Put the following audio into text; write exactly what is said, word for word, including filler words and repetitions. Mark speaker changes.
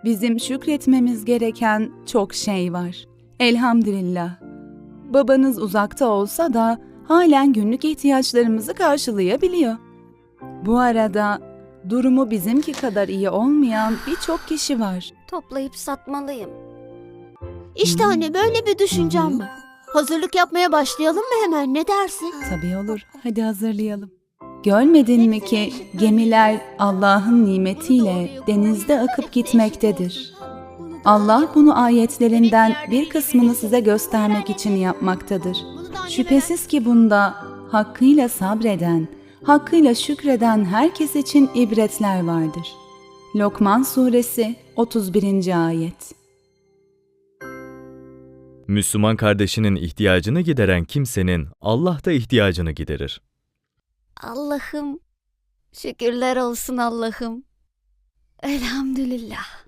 Speaker 1: Bizim şükretmemiz gereken çok şey var. Elhamdülillah. Babanız uzakta olsa da halen günlük ihtiyaçlarımızı karşılayabiliyor. Bu arada durumu bizimki kadar iyi olmayan birçok kişi var.
Speaker 2: Toplayıp satmalıyım.
Speaker 3: İşte anne böyle bir düşüncem var. Hazırlık yapmaya başlayalım mı hemen, ne dersin?
Speaker 1: Tabii olur. Hadi hazırlayalım. Görmedin mi ki gemiler Allah'ın nimetiyle denizde akıp gitmektedir. Allah bunu ayetlerinden bir kısmını size göstermek için yapmaktadır. Şüphesiz ki bunda hakkıyla sabreden, hakkıyla şükreden herkes için ibretler vardır. Lokman Suresi otuz birinci ayet.
Speaker 4: Müslüman kardeşinin ihtiyacını gideren kimsenin Allah da ihtiyacını giderir.
Speaker 2: Allah'ım, şükürler olsun Allah'ım. Elhamdülillah.